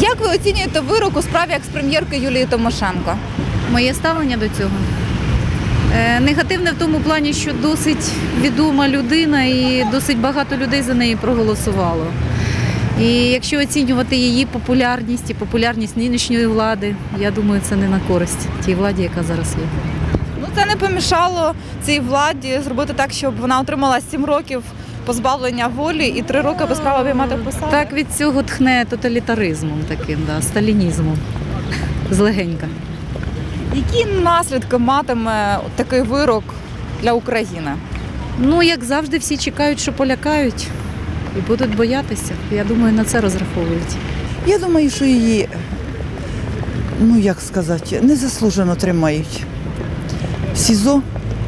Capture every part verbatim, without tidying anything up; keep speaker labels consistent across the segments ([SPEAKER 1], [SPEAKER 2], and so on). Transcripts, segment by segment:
[SPEAKER 1] Як ви оцінюєте вирок у справі екс-прем'єрки Юлії Тимошенко?
[SPEAKER 2] Моє ставлення до цього е, негативне в тому плані, що досить відома людина і досить багато людей за неї проголосувало. І якщо оцінювати її популярність і популярність нинішньої влади, я думаю, це не на користь тій владі, яка зараз є.
[SPEAKER 1] Ну, це не помішало цій владі зробити так, щоб вона отримала сім років позбавлення волі і три роки без права обіймати посаду.
[SPEAKER 2] Так від цього тхне тоталітаризмом таким, да, сталінізмом, злегенька.
[SPEAKER 1] Які наслідки матиме такий вирок для України?
[SPEAKER 2] Ну, як завжди, всі чекають, що полякають і будуть боятися. Я думаю, на це розраховують.
[SPEAKER 3] Я думаю, що її, ну як сказати, незаслужено тримають в СІЗО.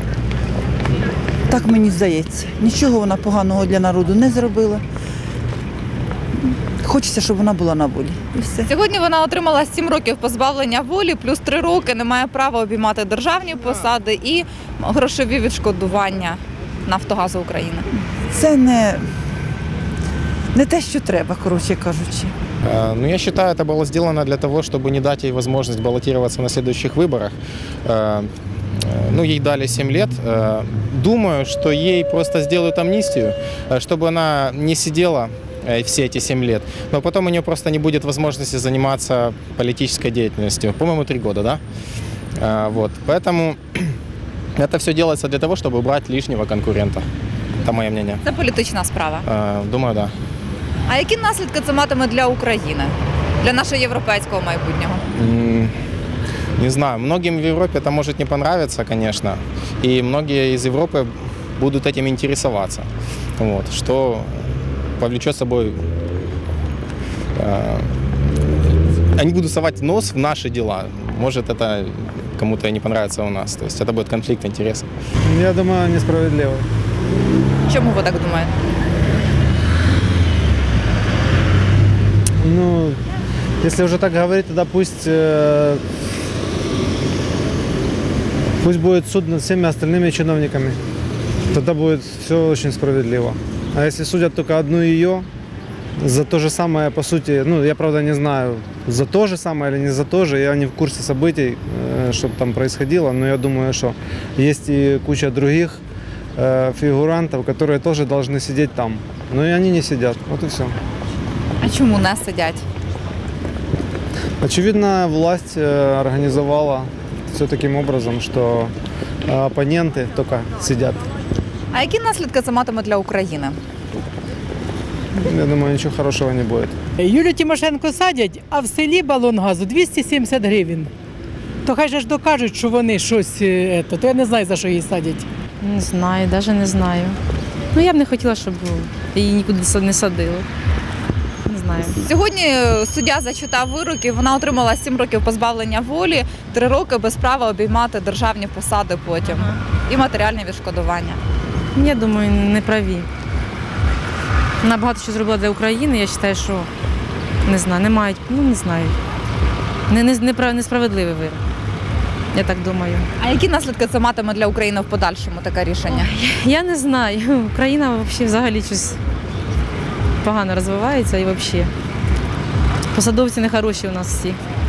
[SPEAKER 3] Так мені здається. Нічого вона поганого для народу не зробила. Хочеться, щоб вона була на волі. І все.
[SPEAKER 1] Сьогодні вона отримала сім років позбавлення волі, плюс три роки не має права обіймати державні посади і грошові відшкодування Нафтогазу України.
[SPEAKER 3] Це не, не те, що треба, коротше кажучи.
[SPEAKER 4] Ну, я считаю, это было сделано для того, чтобы не дать ей возможность баллотироваться на следующих выборах. Ну, ей дали семь лет. Думаю, что ей просто сделают амнистию, чтобы она не сидела все эти семь лет. Но потом у нее просто не будет возможности заниматься политической деятельностью. По-моему, три года, да? Вот. Поэтому это все делается для того, чтобы убрать лишнего конкурента. Это мое мнение.
[SPEAKER 1] Це політична справа.
[SPEAKER 4] Думаю, да.
[SPEAKER 1] А які наслідки це матиме для України, для нашого європейського майбутнього?
[SPEAKER 4] Не знаю, многим в Европе это может не понравиться, конечно, и многие из Европы будут этим интересоваться, вот, что повлечет собой, э, они будут совать нос в наши дела, может это кому-то не понравится у нас, то есть это будет конфликт интересов.
[SPEAKER 5] Я думаю, несправедливо.
[SPEAKER 1] Чому ви так думаєте?
[SPEAKER 5] Ну, если уже так говорить, тогда пусть, э, пусть будет суд над всеми остальными чиновниками. Тогда будет все очень справедливо. А если судят только одну ее, за то же самое, по сути, ну, я, правда, не знаю, за то же самое или не за то же, я не в курсе событий, э, что там происходило, но я думаю, что есть и куча других э, фигурантов, которые тоже должны сидеть там. Но и они не сидят, вот и все.
[SPEAKER 1] А чому не сидять?
[SPEAKER 5] Очевидно, власть э, организовала все таким образом, что э, оппоненты только сидят.
[SPEAKER 1] А які наслідки це матиме для України?
[SPEAKER 5] Я думаю, ничего хорошего не будет.
[SPEAKER 6] Юлію Тимошенко садять, а в селі балон газу двісті сімдесят гривень. То хай же ж докажуть, що вони щось, е, то я не знаю, за що її садять.
[SPEAKER 2] Не знаю, навіть не знаю. Ну, я б не хотіла, щоб її нікуди не садили. Не знаю.
[SPEAKER 1] Сьогодні суддя зачитав вирок і вона отримала сім років позбавлення волі, три роки без права обіймати державні посади потім і матеріальне відшкодування.
[SPEAKER 2] Я думаю, не праві. Вона багато що зробила для України, я вважаю, що не знаю, не мають, ну не знаю. Не, не, не, несправедливий вирок. Я так думаю.
[SPEAKER 1] А які наслідки це матиме для України в подальшому, таке рішення?
[SPEAKER 2] Ой, я не знаю. Україна взагалі щось погано розвивається і взагалі. Посадовці нехороші у нас всі.